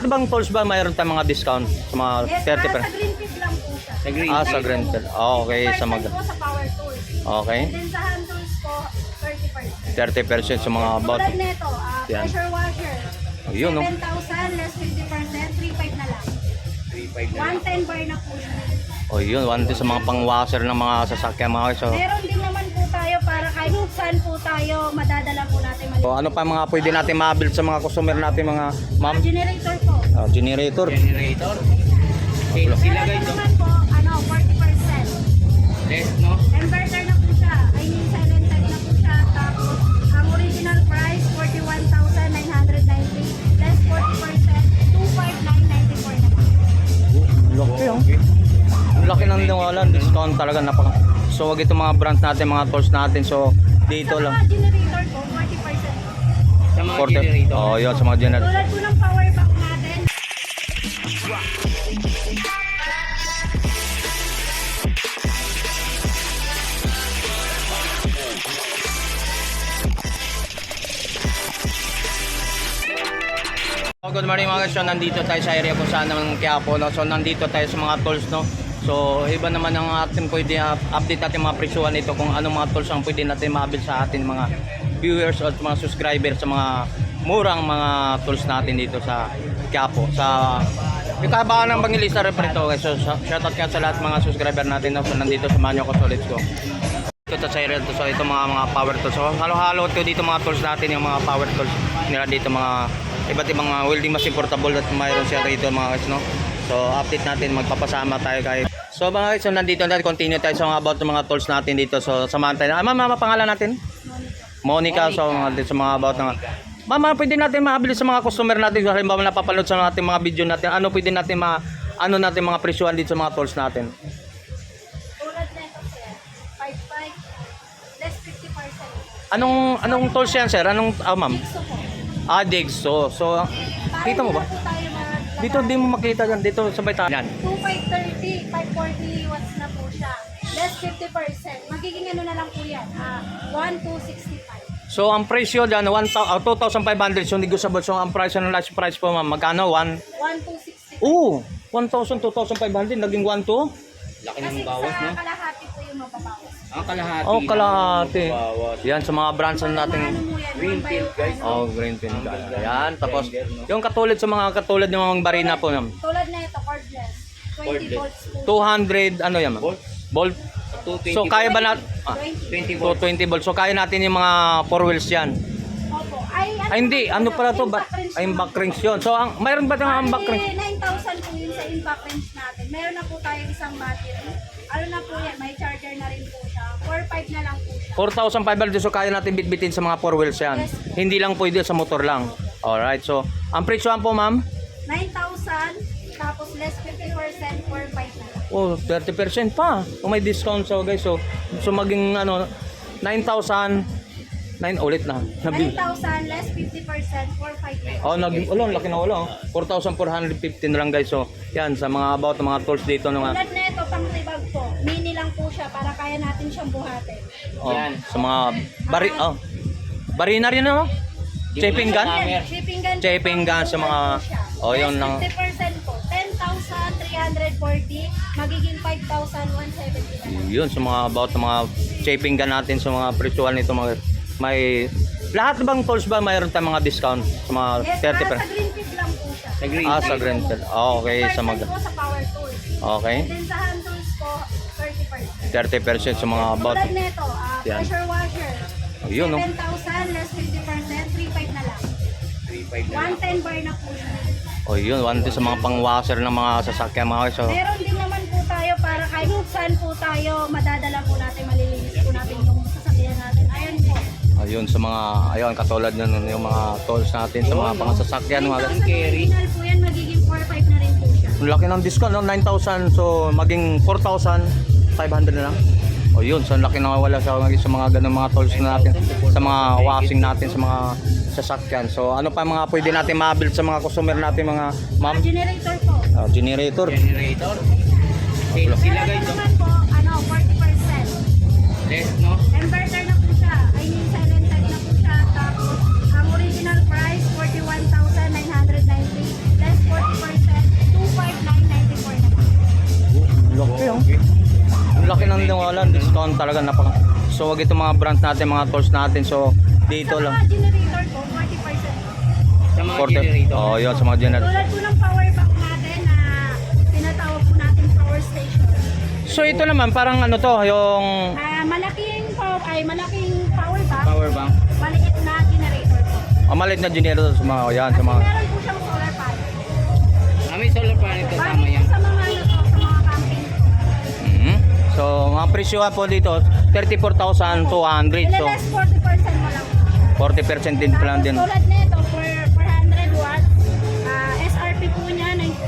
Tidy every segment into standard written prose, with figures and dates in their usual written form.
Ano bang tools ba mayroon tayong mga discount sa mga Yes, 30%? sa green field lang po siya. Sa green Sa green field. Okay, sa mga... po sa power tools. Okay. And then sa hand tools po, 30%. 30% sa mga about. Tulad nito, Yan. pressure washer. Ayun, no? 7,000 less 50%, 3,500 na lang. 3.5 na. 110 bar na po siya. O yun, one sa mga pang-washer ng mga sasakyan mga guys. So, Meron din naman po tayo para kahit saan po tayo, madadala po natin so, ano pa mga pwede natin ma-build sa mga customer natin mga ma'am? Generator po. Generator. Generator. Sila Meron guys, no? naman po, 40%. Less, no? Inverter na po siya. I mean, silent type na po siya. Tapos, ang original price, 41,990. Less 40%, 25,994 na po. Laki oh. Ang laki ng nawalan, discount talaga napaka. So wag itong mga brands natin, mga tools natin. So dito Sa lang. mga generator po, 40%. Sa mga generator. Oh, yun sa mga generator. Tulad po ng power bank natin. Good morning mga guys. So nandito tayo sa area kung saan naman Quiapo, no? So nandito tayo sa mga tools, no? So iba naman ang ating pwede update natin mga presyuhan nito kung anong mga tools ang pwede natin ma-avail sa atin mga viewers o mga subscribers sa mga murang mga tools natin dito sa Quiapo. Sa ikabahan ng Bangilista Reparito guys. So shoutout ka sa lahat mga subscriber natin, no? So nandito sa Manyo ko solid ko. Ito sa area to. So ito mga power tools. So halo-halo ito dito mga tools natin, yung mga power tools nila dito, mga iba't ibang welding machine portable at mayroon siya dito mga guys, no? So update natin, magpapasama tayo kay. So mga guys, so nandito natin, continue tayo sa mga about ng mga tools natin dito. So samahan tayo. Ma'am, pangalan natin? Monica. So dito sa mga about ng Ma'am, pwede natin maabili sa mga customer natin, halimbawa napapanood sa ating mga video natin. Ano pwede natin natin mga presyuhan dito sa mga tools natin? Tulad nito, sir. 5,500 less 50%. Anong tools yan, sir? Ma'am? Dixo po. Dixo. So kita mo ba? Para hindi na po tayo maglagay. Dito di mo makita yan, dito sa baitayan. Yan. 2,530, 540 watts na po siya. Less 50%. Magiging ano na lang po yan. 1,265. So ang presyo diyan 2,500, so negotiable. So ang price ng last price po ma'am, magkano? 1,265. 1,000, 2,500 naging 1,2. Laki Kasi ng bawas, sa no? kalahati po yung mababawas. Ang kalahati. Oh, kalahati. lang ang bawas. Yan sa mga brands na natin. Ano mo yan? Greenfield, guys. Oh, Greenfield. Yan, tapos yung katulad sa mga katulad ng mga barina po ma'am. Tulad na ito, cordless. 20 Cordless. volts po. 200 ano yan ma'am? Volt? Volt. 220 So kaya ba 20. 20 volts. 220 volts. So kaya natin yung mga 4 wheels yan. Opo. Ay hindi, ano pala to? Ay back rings yun. So mayroon ba tayong back rings? 9,000 po yun sa impact range natin. Meron na po tayo isang battery. Ano na po yan, may charger na rin po siya. 4,500 na lang po siya. 4,500, so kaya natin bitbitin sa mga 4 wheels yan. Yes. Hindi lang pwede sa motor lang. Alright, so ang presyohan po ma'am? 9,000, tapos less 50%, 4,500 na lang. Oh, 30% pa. Kung may discount so guys. So maging 9,000 ulit na. 9,000 less 50%, 4,500. Oh, naging laki na wala. 4,415 na lang guys. So yan sa mga about ng mga tools dito ng Tulad na ito, pang tibag po. Mini lang po siya para kaya natin siyang buhatin. Yan. sa mga barina rin no? Shaping gun? Shipping gun. po, Shaping gun sa mga po siya. yun Less lang. 50% po. 10,340, magiging 5,170 na lang. Yun sa mga about ng mga shaping gun natin sa mga presyuhan nito mga may lahat bang tools ba mayroon tayong mga discount sa mga Yes, 30%? sa green field lang po siya. Sa green Sa green field. Okay, sa mga po sa power tools. okay. And then sa hand tools po, 30%. 30% sa mga about. Tulad nito, Yan. pressure washer. Yun no. 7,000 less 50%, 3,500 na lang. 3.5 na. 110 bar na po siya. Oh, yun, one sa mga pang-washer ng mga sasakyan mga guys. So, Meron din naman po tayo para kahit saan po tayo, madadala po natin, malilinis po natin yung sasakyan natin. Ayan po. ayun sa mga katulad nun yung mga tools natin sa mga pang-sasakyan mga guys. 9,000 original po yan, magiging 4,500 na rin po siya. Ang laki ng discount, no? 9,000 so maging 4,500 na lang. O yun, so ang laki na wala sa mga ganung mga tools natin, sa mga washing natin, sa mga sasakyan. So ano pa mga pwede natin ma-build sa mga customer natin mga ma'am? Generator po. Generator. Generator. Sila Meron guys, no? naman po, 40%. Less, no? Inverter na po siya. I mean, silent type na po siya. Tapos, ang original price, 41,990. Less 40%, wala, discount talaga napaka. So wag itong mga brands natin, mga tools natin. So dito Sa lang. mga generator ko, 40%. Sa mga 40. generator. Oh, yun sa mga generator. Tulad po ng power bank natin na tinatawag po natin power station. So ito naman parang ano to, yung Malaking power bank, Power bank. maliit na generator po. amalit na generator sa mga yan, sa Kasi mga meron po siyang solar panel. May solar panel kasama Bali yan. po sa mga ano to, sa mga camping po. Mhm. So mga presyohan po dito 34,200. So Ilaless 40% mo lang. 40% din pa lang din. Tulad nito, for 100 watts, SRP po niya,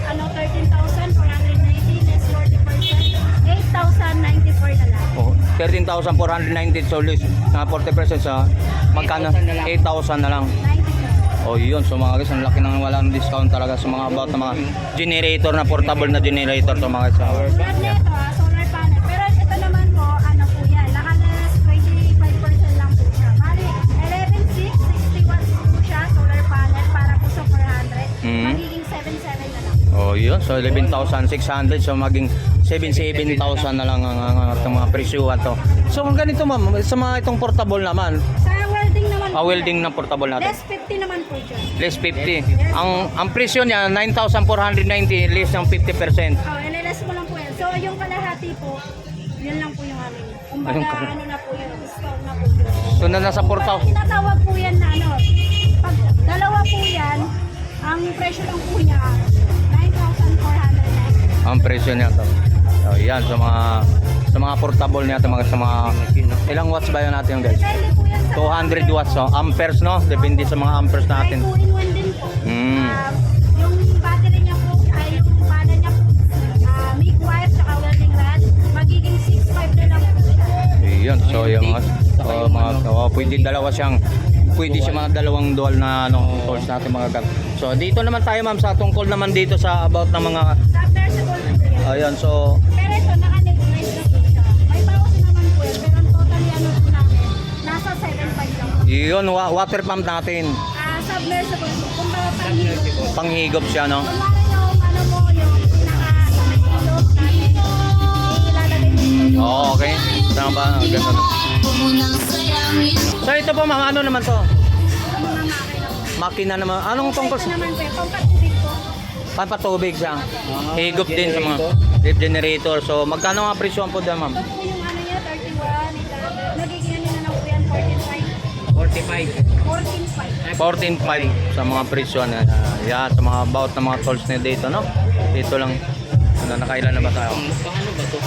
13,490 less 40%, 8,094 na lang. Oh, 13,490 so less na 40% sa magkano? 8,000 na lang. 90. Oh, yun. So mga guys, ang laki ng walang discount talaga sa mga about na mga generator na portable na generator to mga guys. Tulad nito, solar panel. Pero ito naman po, ano po yan, nakalas 25% lang po siya. Bali, 11,660 watts po siya, solar panel, para po sa 400. Mhm. Magiging 7,700 na lang. Oh, yun. So 11,600 so maging 7,700 na lang ang mga presyuhan to. So kung ganito ma'am, sa mga itong portable naman, Sa welding naman po, welding na portable natin. less 50 naman po siya. Less 50. Ang presyo niya 9,490 less ng 50%. Oh, LLS mo lang po yan. So, yung kalahati po, yun lang po yung amin. Kumbaga, Ayun ka- ano na po yun, discount na po yun. So na nasa 4,000. Tinatawag po yan na ano, pag dalawa po yan, ang presyo lang po niya, 9,490. Ang presyo niya to. So yan sa mga portable niya to mga sa mga ilang watts ba yun natin guys? Depende po yan sa 200 watts so amperes no, depende sa mga amperes Ay, natin. 2-in-1 din po. Mm. Yung battery niya po, ay yung pana niya po, MIG wire, tsaka welding rod, magiging 6.5 na lang po siya. Ayun, so yung pwede siya mga dalawang dual na tools natin mga gag. So dito naman tayo ma'am sa tungkol naman dito sa about ng mga Submersible po yan. ayun so Pero ito, naka-nebulize na po siya. May bawas naman po yan, pero ang totally ano po namin, nasa 7.5 lang po. yun water pump natin. Submersible po, kumbaga panghigop po. Panghigop siya no. Kunwari yung ano mo, yung pinaka-ilog namin, ilalagay mo po. Oo, okay. Tama ba? Ganun. So ito po mga ano naman to? Ang mga makina po. Makina naman. Anong tungkol Ito sa naman po, pampatubig po. pampatubig siya? Higop din sa mga drip generator. So magkano nga presyo po dyan ma'am? Ito po yung ano niya, 31, ito. Nagiging ano na lang po yan, 45. 14.5. 14.5 sa mga presyo na yan sa mga about na mga tools na dito no. Dito lang nakailan na ba tayo? Paano ba to?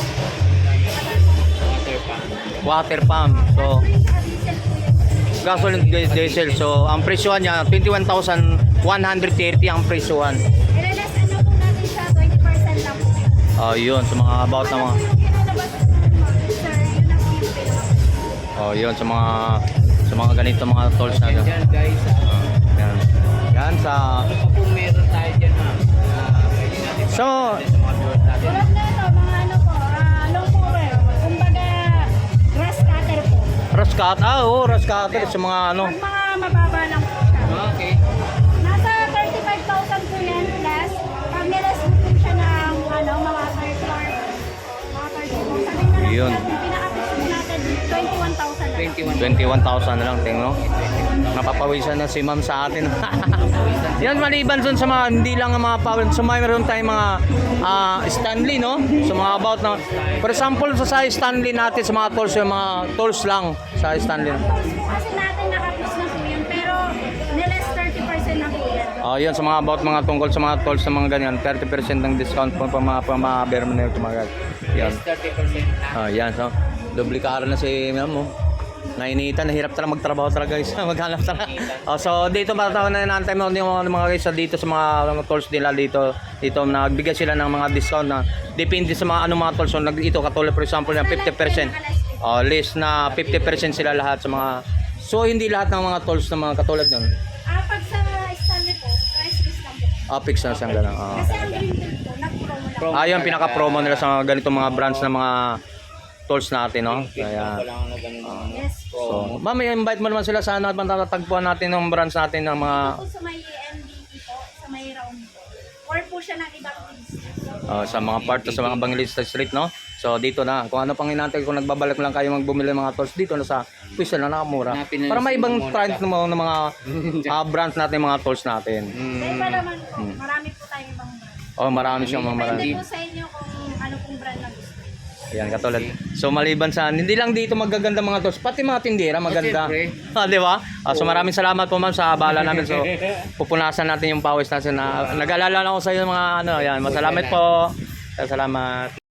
Water Water pump. pump. So Gasoline at diesel po yan. gasoline diesel. So ang presyohan niya 21,130 ang presyohan. Ilaless ano po natin siya, 20% lang po. Yun sa mga about na mga Ano po yung inalabas natin mga sir, yun ang po yung pinaka. yun sa mga ganito mga tools na Yan guys. yan. Yan sa Ano pa po meron tayo dyan ma'am? Pwede natin so sa mga viewers natin. Tulad na ito, mga ano po, long power. Kumbaga, grass cutter po. raskat raskat sa mga ano Pag mga mababa lang po siya. Okay. Nasa 35,000 po yan plus. Pag nilas mo po siya ng ano, mga third floor, mga 30,000. Sabihin na lang Yun. po natin, pinaka-fix po natin 21,000 na lang. 21,000 na lang tingno. Napapawisan na si ma'am sa atin. Yan maliban dun sa mga hindi lang ang mga power. So mayroon tayong mga Stanley no. So mga about na for example sa Stanley natin sa mga tools yung mga tools lang sa Stanley. Tools po kasi natin naka-fix na po yun, pero nilas 30% na po yan. Yan sa mga about mga tungkol sa mga tools sa mga ganyan 30% ng discount po pa mga permanent mga guys. Yan. 30% na. Yan so dublikara na si ma'am mo. Nainitan, nahirap talaga magtrabaho talaga guys. Maghanap talaga. So dito matatawa na naantay mo yung mga guys dito sa mga tools nila dito. Dito nagbigay sila ng mga discount na depende sa mga mga tools. So ito katulad for example na 50%. Less na 50% sila lahat sa mga so hindi lahat ng mga tools na mga katulad nun. Pag sa Stanley po, price list lang po. Fix na siyang gano'n. Kasi ang Greenfield po, nag-promo lang. Yung pinaka-promo nila sa mga ganitong mga brands na mga tools natin, no? Kaya, Wala na ganun. Yes. so, ma'am, invite mo naman sila sana at matatagpuan natin ng brands natin ng mga Po sa may MDT po, sa may round po. Or po siya ng ibang business. sa mga part sa mga Evangelista Street, no? So dito na, kung ano pang hinantay, kung nagbabalik lang kayo magbumili ng mga tools dito na sa pwesto na nakamura. Hanapin na Para may si ibang Momonica. trend ng mga brands natin, mga tools natin. Sa iba naman po, marami po tayong ibang brand. Oh, marami siyang mga Depende marami. po sa inyo kung ano pong brand na gusto. Ayan, katulad. So maliban sa, hindi lang dito magaganda mga tools, pati mga tindera maganda. siyempre. Di ba? So maraming salamat po ma'am sa abala namin. So pupunasan natin yung pawis natin na nag-alala lang ako sa iyo mga ano, ayan. Masalamat po. Salamat.